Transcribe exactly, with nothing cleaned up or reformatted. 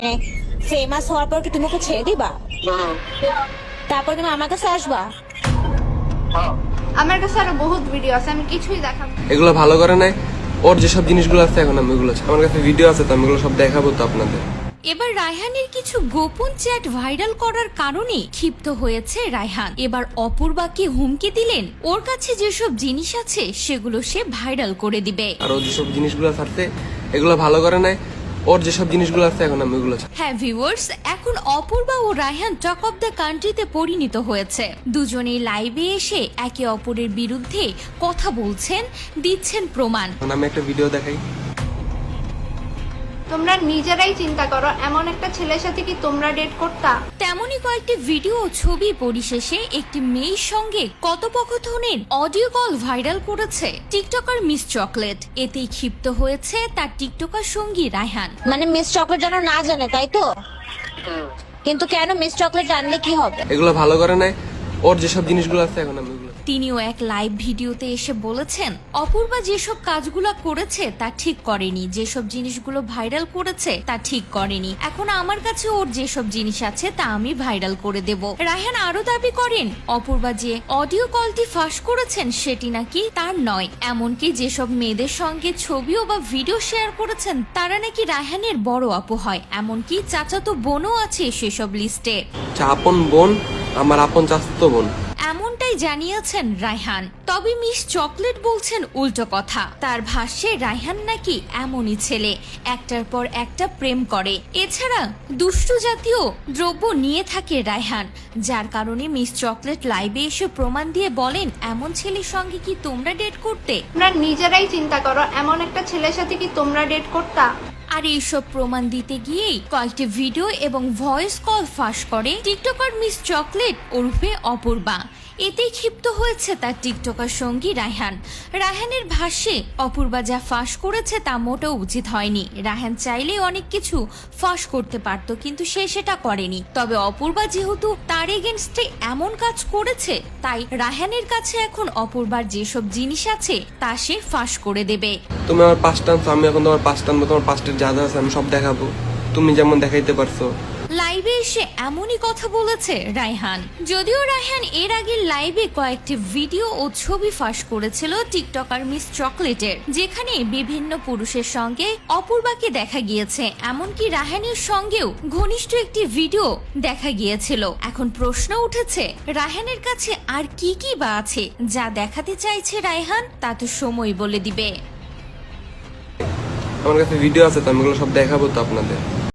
Famous হওয়ার পর কি তুমি ওকে ছেড়ে দিবা? তারপর তুমি আমার কাছে আসবা? আমার কাছে আরো বহুত ভিডিও আছে, আমি কিছুই দেখাবো। এগুলো ভালো করে নাই। ওর যেসব জিনিসগুলো আছে এখন আমি ওগুলো আমার কাছে ভিডিও আছে, তো আমি এগুলো সব দেখাবো তো আপনাদের। এবার রায়হানের কিছু গোপন চ্যাট ভাইরাল করার কারণে ক্ষিপ্ত হয়েছে রায়হান। এবার অপূর্বাকে হুমকি দিলেন ওর কাছে যেসব জিনিস আছে সেগুলো সে ভাইরাল করে দিবে। আর ও যেসব জিনিসগুলো আছে এগুলো ভালো করে নাই। ওর যেসব জিনিসগুলো আছে এখন আমি ওগুলো হ্যাঁ ভিউয়ার্স, এখন অপূর্বা ও রায়হান টক অফ দ্য কান্ট্রিতে পরিণত হয়েছে। দুজনেই লাইভে এসে একে অপরের বিরুদ্ধে কথা বলছেন, দিচ্ছেন প্রমাণ। আমি একটা ভিডিও দেখাই। তোমরা নিজেরাই চিন্তা করো, এমন একটা ছেলের সাথে কি তোমরা ডেট করতা? তেমনই কয়েকটি ভিডিও ও ছবি পরিশেষে একটি মেয়ের সঙ্গে কথোপকথনের অডিও কল ভাইরাল করেছে টিকটকার মিস চকলেট। এতেই ক্ষিপ্ত হয়েছে তার টিকটকার সঙ্গী রায়হান। মানে মিস চকলেট যেন না জানে, তাই তো? কিন্তু কেন মিস চকলেট জানলে কি হবে? এগুলো ভালো করে নাই। ওর যেসব জিনিসগুলো আছে এখন আমি ওগুলো তিনিও এক লাইভ ভিডিওতে এসে বলেছেন অপূর্বা যেসব কাজগুলো করেছে তা ঠিক করেনি, যেসব জিনিসগুলো ভাইরাল করেছে তা ঠিক করেনি। এখন আমার কাছে ওর যেসব জিনিস আছে তা আমি ভাইরাল করে দেব। রায়হান আরো দাবি করেন অপূর্বা যে অডিও কলটি ফাঁস করেছেন সেটি নাকি তার নয়, এমনকি যেসব মেয়েদের সঙ্গে ছবিও বা ভিডিও শেয়ার করেছেন তারা নাকি রায়হানের বড় আপু হয়, এমনকি চাচাতো বোনও আছে সেসব লিস্টে। আপন বোন, আমার আপন চাচাতো বোন, এমনটাই জানিয়েছেন রায়হান। তবে মিস চকলেট বলছেন উল্টো কথা। তার ভাষ্যে রায়হান নাকি এমনই ছেলে, একটার পর একটা প্রেম করে, এছাড়া দুষ্টু জাতীয় দ্রব্য নিয়ে থাকে রায়হান, যার কারণে মিস চকলেট লাইভে এসে প্রমাণ দিয়ে বলেন এমন ছেলের সঙ্গে কি তোমরা ডেট করতে? তোমরা নিজেরাই চিন্তা করো, এমন একটা ছেলের সাথে কি তোমরা ডেট করতা? আর এইসব প্রমাণ দিতে গিয়েই কয়েকটি ভিডিও এবং ভয়েস কল ফাঁস করে টিকটকার মিস চকলেট ওরফে অপূর্বা। এতেই ক্ষিপ্ত হয়েছে তার টিকটকার সঙ্গী রায়হান। রায়হানের ভাষ্যে অপূর্বা যা ফাঁস করেছে তা মোটেও উচিত হয়নি। রায়হান চাইলে অনেক কিছু ফাঁস করতে পারত, কিন্তু সে সেটা করেনি। তবে অপূর্বা যেহেতু তার এগেনস্টে এমন কাজ করেছে, তাই রায়হানের কাছে এখন অপূর্বার যেসব জিনিস আছে তা সে ফাঁস করে দেবে। তুমি আমার পাঁচ টানছো, আমি এখন তোমার পাঁচ টানবো। তোমার পাঁচটার যা যা আছে আমি সব দেখাবো, তুমি যেমন দেখাইতে পারছো। লাইভে এসে এমনই কথা বলেছে রায়হান। যদিও রায়হান এর আগে লাইভে কয়েকটি ভিডিও ও ছবি ফাঁস করেছিল টিকটকার মিস চকলেটের, যেখানে বিভিন্ন পুরুষের সঙ্গে অপূর্বাকে দেখা গিয়েছে, এমনকি রায়হানের সঙ্গেও ঘনিষ্ঠ একটি ভিডিও দেখা গিয়েছিল। এখন প্রশ্ন উঠেছে রায়হানের কাছে আর কি কি বা আছে যা দেখাতে চাইছে রায়হান, তা তো সময় বলে দিবে। আমার কাছে ভিডিও আছে, তো আমি এগুলো সব দেখাবো তো আপনাদের।